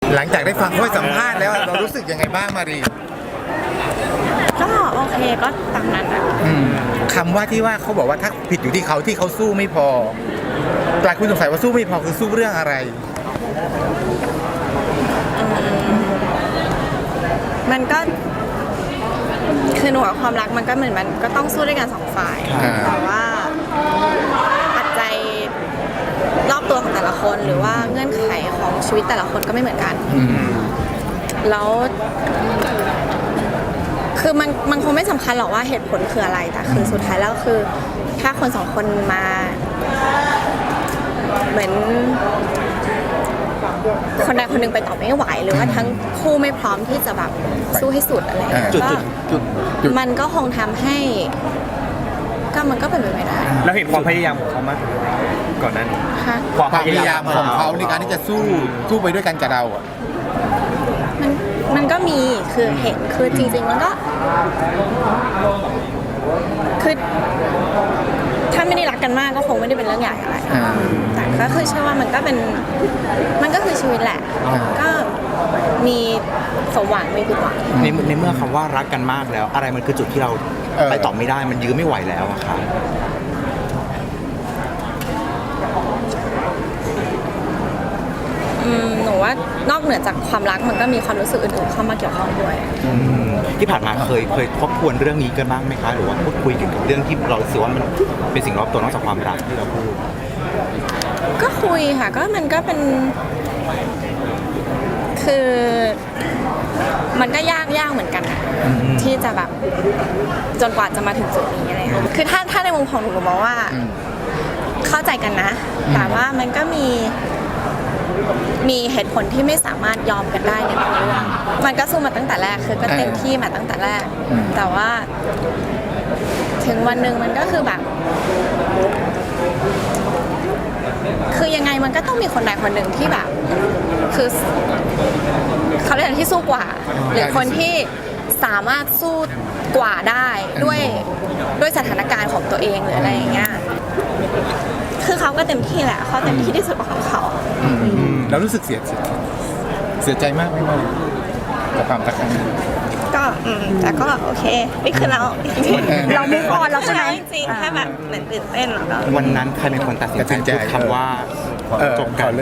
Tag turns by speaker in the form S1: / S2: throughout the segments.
S1: หลังจากได้ฟังเขาสัมภาษณ์แล้วเรารู้สึกยังไงบ้างมารี
S2: ก็โอเคก็ตามนั้นนะ
S1: คำว่าที่ว่าเขาบอกว่าถ้าผิดอยู่ที่เขาสู้ไม่พอหลายคนสงสัยว่าสู้ไม่พอคือสู้เรื่องอะไร
S2: มันก็คือหนูกับความรักมันก็เหมือนมันก็ต้องสู้ด้วยกันสองฝ่ายแต่ว่าปัจจัยรอบตัวของแต่ละคนหรือว่าเงื่อนไขของชีวิตแต่ละคนก็ไม่เหมือนกันแล้วคือมันคงไม่สำคัญหรอกว่าเหตุผลคืออะไรแต่คือสุดท้ายแล้วคือถ้าคนสองคนมาเหมือนคนใดคนหนึ่งไปต่อไม่ไหวหรือว่าทั้งคู่ไม่พร้อมที่จะแบบสู้ให้สุดอะไรก็มันก็คงทำให้มันก็เป็นไปไม่ได้
S3: แล้วเห็นความพยายามของเขามากก่อนหน้านี้
S1: ความพยายามของเขาในการที่จะสู้ไปด้วยกันกับเราอ่ะ
S2: มันก็มีคือเห็นคือจริงๆมันก็คือถ้าไม่ได้รักกันมากก็คงไม่ได้เป็นเรื่องใหญ่อะไรแต่ก็คือเชื่อว่ามันก็คือชีวิตแหละก็มีสมหวังไม่ผิดหวัง
S3: ในเมื่อคำว่ารักกันมากแล้วอะไรมันคือจุดที่เราไปต่อไม่ได้มันยื้อไม่ไหวแล้วอะค่ะ
S2: หนูว่านอกเหนือจากความรักมันก็มีความรู้สึกอื่นๆเข้ามาเกี่ยวข้องด้วย
S3: ที่ผ่านมาเคยทบทวนเรื่องนี้กันบ้างไหมคะหรือว่าพูดคุยเกี่ยวกับเรื่องที่เราสึกว่ามันเป็นสิ่งรอบตัวนอกจากความรักที่เราพูด
S2: ก็คุยค่ะก็มันก็เป็นคือมันก็ยากเหมือนกันที่จะแบบจนกว่าจะมาถึงจุดนี้อะไรค่ะคือถ้าในมุมของหนูมองว่าเข้าใจกันนะแต่ว่ามันก็มีเหตุผลที่ไม่สามารถยอมกันได้ในบางเรื่องมันก็สู้มาตั้งแต่แรกคือก็เต็มที่มาตั้งแต่แรกแต่ว่าถึงวันหนึ่งมันก็คือแบบคือยังไงมันก็ต้องมีคนใดคนหนึ่งที่แบบคือเขาเรียกที่สู้กว่าหรือคนที่สามารถสู้กว่าได้ด้วยสถานการณ์ของตัวเองหรืออะไรอย่างเงี้ยคือเขาก็เต็มที่แหละเขาเต็มที่ที่สุดของเขา
S1: แล้วรู้สึกเสียใจมากไหมกับความรักครั้งนี้
S2: ก็แต่ก็โอเคนี่คือเรามุกออนแล้วใช่ไหมจริงแค่แบบเหมือนตื่นเต้นแล้วก็
S3: วันนั้นใครเป็นคนตัดสินใจพูดคำว่าจบกัน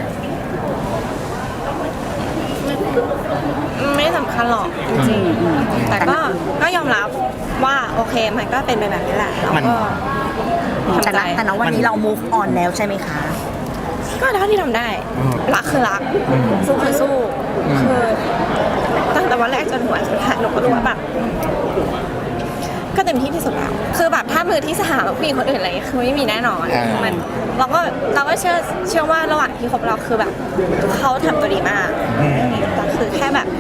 S2: ไม่สำคัญหรอกจริงๆแต่ก็ยอมรับว่าโอเคมันก็เป็นไปแบบนี้แหละแล้วก็ทำใจ
S4: แต่ณวันนี้เรา move on แล้วใช่ไหมคะ
S2: ก็เท่าที่ทำได้รักคือรักสู้คือสู้คือตั้งแต่วันแรกจนหัวสุดท้ายหนูก็รู้ว่าแบบก็เต็มที่ที่สุดแล้วคือแบบถ้ามือที่สหาผู้หญิงคนอื่นอะไรคือไม่มีแน่นอนมันเราก็เชื่อว่าระหว่างที่คบเราคือแบบเขาทำตัวดีมากแต่คือแค่แบบ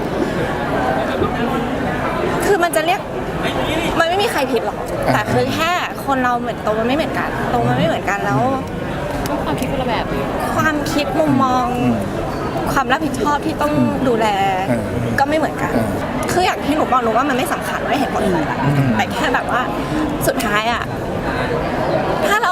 S2: คือมันจะเรียกมันไม่มีใครผิดหรอกแต่คือแค่คนเราเหมือนโตมันไม่เหมือนกันแล้วความคิดคนละแบบความคิดมุมมองความรับผิดชอบที่ต้องดูแลก็ไม่เหมือนกันคืออย่างที่หนูบอกหนูว่ามันไม่สำคัญว่าเห็นผลอะไรแต่แค่แบบว่าสุดท้ายอ่ะถ้าเรา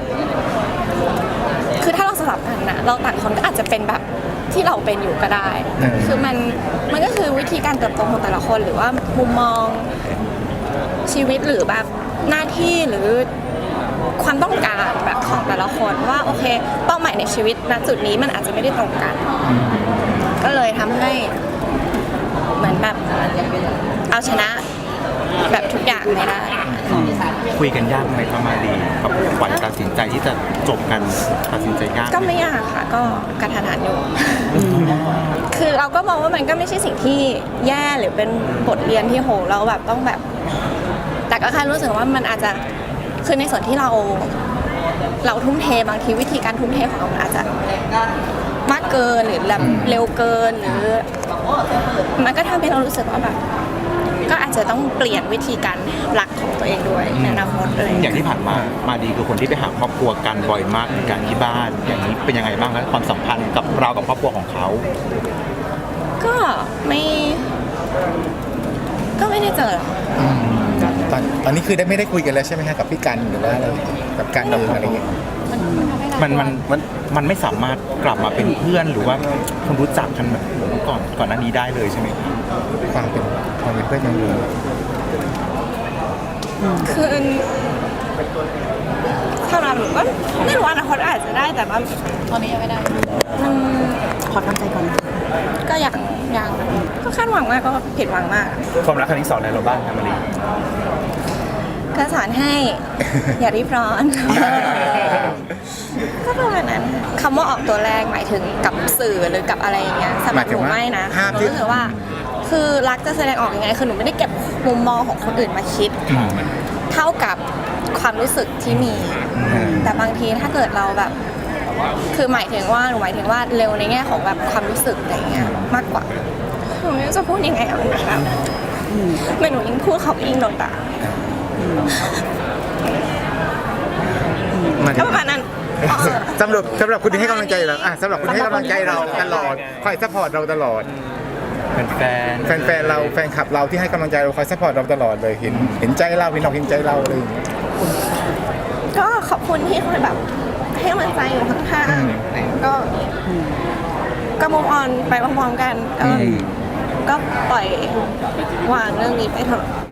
S2: สลับกันนะเราต่างคนก็อาจจะเป็นแบบที่เราเป็นอยู่ก็ได้คือมันก็คือวิธีการเติบโตของแต่ละคนหรือว่ามุมมองชีวิตหรือแบบหน้าที่หรือความต้องการแบบของแต่ละคนว่าโอเคเป้าหมายในชีวิตณจุดนี้มันอาจจะไม่ได้ตรงกันก็เลยทำให้เหมือนแบบเอาชนะแบบทุกอย่างไม่ได้
S3: คุยกันยากไหมประมาณนี้กับขวัญตัดสินใจที่จะจบกันตัดสินใจยาก
S2: ก็ไม่ยากค่ะก็กระทันหันอยู่คือเราก็มองว่ามันก็ไม่ใช่สิ่งที่แย่หรือเป็นบทเรียนที่โหเราแบบต้องแบบแต่ก็แค่รู้สึกว่ามันอาจจะคือในส่วนที่เราทุ่มเทบางทีวิธีการทุ่มเทของเราอาจจะมากเกินหรือแบบเร็วเกินหรือมันก็ทำให้เรารู้สึกว่าแบบก็อาจจะต้องเปลี่ยนวิธีการรักของตัวเองด้วยในอนาคตเลย
S3: อย่างที่ผ่านมาดีคือคนที่ไปหาครอบครัวกันบ่อยมากในการที่บ้านอย่างนี้เป็นยังไงบ้างครับความสัมพันธ์กับเรากับครอบครัวของเขา
S2: ก็ไม่ได้เจอ
S1: ตอนนี้คือไม่ได้คุยกันแล้วใช่ไหมคะกับพี่กันหรือว่าอะไรกับการดำเนินอะไรอย่างเงี้ย
S2: มันทำให้
S3: มันไม่สามารถกลับมาเป็นเพื่อนหรือว่าคนรู้จักกันแบบเมื่อก่อนหน้านี้ได้เลยใช่ไหมครับ
S1: ความเป็นเพื่อนยังอยู่
S2: คือสำหรับหนูก็ไม่รู้อนาคตอาจจะได้แต่ว่าตอนนี้ยังไม่ได้มัน
S4: ขอทำใจก่อนนะ
S2: ก็ยังก็คาดหวังมากก็ผิดหวังมาก
S3: ความรักครั้งที่สองในเราบ้างครับมารี
S2: ก็สอนให้ อย่ารีบร้อน ก็ประมาณนั้นคำว่าออกตัวแรกหมายถึงกับสื่อหรือกับอะไรอย่างเงี้ยสำหรับหนูไม่นะ
S1: ภาพ
S2: หนู
S1: ที่
S2: รู้สึกว่า คือรักจะแสดงออกยังไงคือหนูไม่ได้เก็บมุมมองของคนอื่นมาคิด เท่ากับความรู้สึกที่มี แต่บางทีถ้าเกิดเราแบบ คือหมายถึงว่าเร็วในแง่ของแบบความรู้สึกอะไรเงี้ยมากกว่าหนูไม่รู้จะพูดยังไงอะมันแบบไม่หนูยิ่งพูดเขายิ่งโดนด่า
S1: มัน
S2: ก็ประมาณนั้น
S1: สำหรับคุณที่ให้กำลังใจเราสำหรับคุณที่ให้กำลังใจเราตลอดคอยซัพพอร์ตเราตลอด
S3: แฟน
S1: เราแฟนคลับเราที่ให้กำลังใจเราคอยซัพพอร์ตเราตลอดเลยเห็นใจเราเห็นอกเห็นใจเราอะไรอย่างเงี้ย
S2: ก็ขอบคุณที่คอยแบบให้กำลังใจอยู่ข้างๆก็มุมออนไปพร้อมๆกันก็ปล่อยวางเรื่องนี้ไปเถอะ